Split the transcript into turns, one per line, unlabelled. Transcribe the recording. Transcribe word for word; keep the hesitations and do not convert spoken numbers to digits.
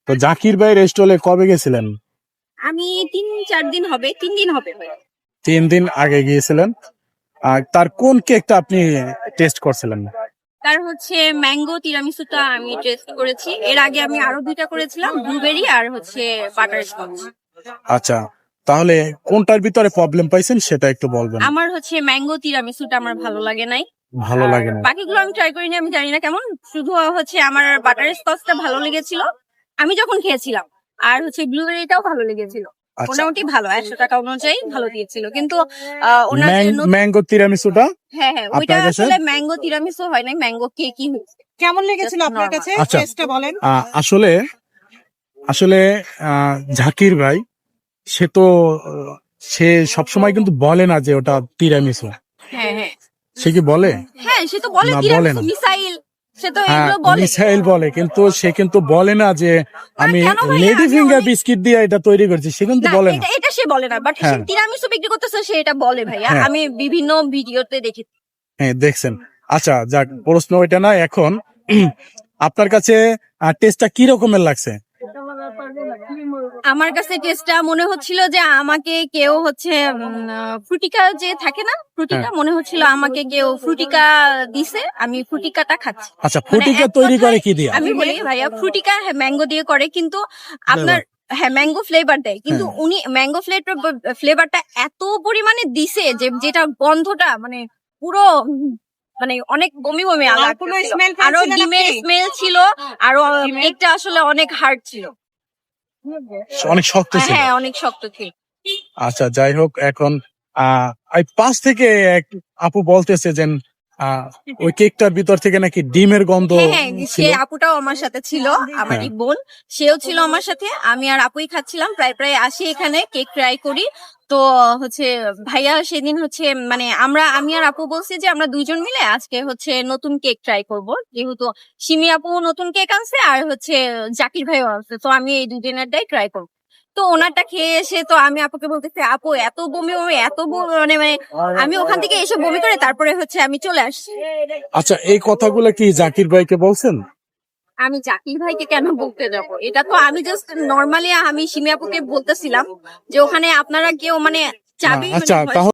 তো জাকির ভাই রেস্টলে কবে গেছিলেন?
আমি তিন চার দিন হবে তিন দিন হবে
তিন দিন আগে গিয়েছিলেন। আর তার কোন কেকটা আপনি টেস্ট করছিলেন?
তার হচ্ছে ম্যাঙ্গো তিরামিসুটা আমি টেস্ট করেছি। এর আগে আমি আরো দুইটা করেছিলাম, ব্লুবেরি আর হচ্ছে বাটার স্কচ।
আচ্ছা, তাহলে কোনটার ভিতরে প্রবলেম পাইছেন সেটা একটু বলবেন।
আমার হচ্ছে ম্যাঙ্গো তিরামিসুটা আমার ভালো লাগে নাই।
ভালো লাগে না?
বাকিগুলো আমি ট্রাই করিনি, আমি জানি না কেমন। শুধু হচ্ছে আমার বাটার স্কচটা ভালো লেগেছিল আমি যখন খেয়েছিলাম, আর হচ্ছে ব্লুবেরিটাও ভালো লেগেছিল।
আচ্ছা,
মোটামুটি ভালো, একশো টাকা অনুযায়ী ভালো দিয়েছিল। কিন্তু আহ, ওনার যে নতুন-
ম্যাঙ্গো তিরামিসুটা
হ্যাঁ হ্যাঁ ওইটা
আপনার কাছে?
আসলে ম্যাঙ্গো তিরামিসু হয় নাই, ম্যাঙ্গো কেকই হয়েছে।
কেমন লেগেছিল আপনার কাছে?
আচ্ছা।
টেস্টটা বলেন।
আহ, আসলে আসলে আহ, জাকির ভাই সে তো আহ, সে সবসময় কিন্তু বলে না যে ওটা তিরামিসু।
হ্যাঁ হ্যাঁ
সে কি বলে?
হ্যাঁ সে তো বলে
না, বলে
তিরামিসু
না।
মিসাইল, সে তো
হ্যাঁ,
এগুলো বলে।
মিসাইল বলে, কিন্তু সে কিন্তু বলে না যে আমি
কেন ভাইয়া?
লেডি
আমি
ফিঙ্গার
অনেক-
বিস্কিট দিয়ে এটা তৈরি করছি, সে কিন্তু
না,
বলে না।
এটা এটা সে বলে না, বাট সে
হ্যাঁ।
তিরামিসু বিক্রি করতেছে সে এটা বলে ভাইয়া।
হ্যাঁ।
আমি বিভিন্ন ভিডিওতে দেখি।
হ্যাঁ, দেখছেন। আচ্ছা, যাক, প্রশ্ন ওইটা না। এখন আপনার কাছে টেস্টটা কি রকমের লাগছে?
আমার কাছে টেস্টটা মনে হচ্ছিল যে আমাকে কেউ হচ্ছে ফ্রুটিকা যে থাকে না, ফ্রুটিকা
হ্যাঁ।
মনে হচ্ছিল আমাকে কেউ ফ্রুটিকা দিছে, আমি ফ্রুটিকাটা খাচ্ছি।
আচ্ছা,
মানে
ফুটিকা
এক
তৈরি করে
কথায়
কি দিয়া?
আমি বলি ভাইয়া, ফ্রুটিকা হ্যাঁ ম্যাঙ্গো দিয়ে করে, কিন্তু আপনার হ্যাঁ ম্যাঙ্গো ফ্লেভার দেয়, কিন্তু
হ্যাঁ।
উনি ম্যাঙ্গো ফ্লেভার ফ্লেভারটা এত পরিমাণে দিছে যে যেটা গন্ধটা মানে পুরো উম, মানে অনেক বমি বমি
আর
লাগতেছিল।
কোনো smell
আরো
পেয়েছিলেন
ডিমের
আপনি?
স্মেল ছিল, আরো কেকটা আসলে অনেক হার্ড ছিল।
অনেক শক্ত ছিল।
হ্যাঁ অনেক শক্ত ছিল।
আচ্ছা, যাই হোক, এখন আহ এই পাশ থেকে এক আপু বলতেছে যে আহ, ওই কেকটার ভিতর থেকে নাকি ডিমের গন্ধ
হ্যাঁ হ্যাঁ সে
ছিল।
আপুটাও আমার সাথে ছিল, আমারই
হ্যাঁ।
বোন, সেও ছিল আমার সাথে। আমি আর আপুই খাচ্ছিলাম, প্রায় প্রায় আসি এখানে কেক ট্রাই করি। তো হচ্ছে ভাইয়া সেদিন হচ্ছে মানে আমরা আমি আর আপু বলছি যে আমরা দুইজন মিলে আজকে হচ্ছে নতুন কেক ট্রাই করব, যেহেতু সিমি আপু নতুন কেক আনছে আর হচ্ছে জাকির ভাইও আনছে, তো আমি এই দুজনেরটাই ট্রাই করব। তো ওনারটা খেয়ে এসে তো আমি আপুকে বলতেছি, আপু এত বমি বমি এত বমি, মানে মানে আমি ওখান থেকে এসে বমি করে তারপরে হচ্ছে আমি চলে আসছি।
আচ্ছা, এই কথাগুলো কি জাকির ভাইকে বলছেন?
আমি জাকির ভাইকে কেন বলতে যাব? এটা তো আমি জাস্ট নর্মালি আমি সিমি আপুকে বলতেছিলাম যে ওখানে আপনারা কেউ মানে চাবি
আচ্ছা,
মানে
তাহলে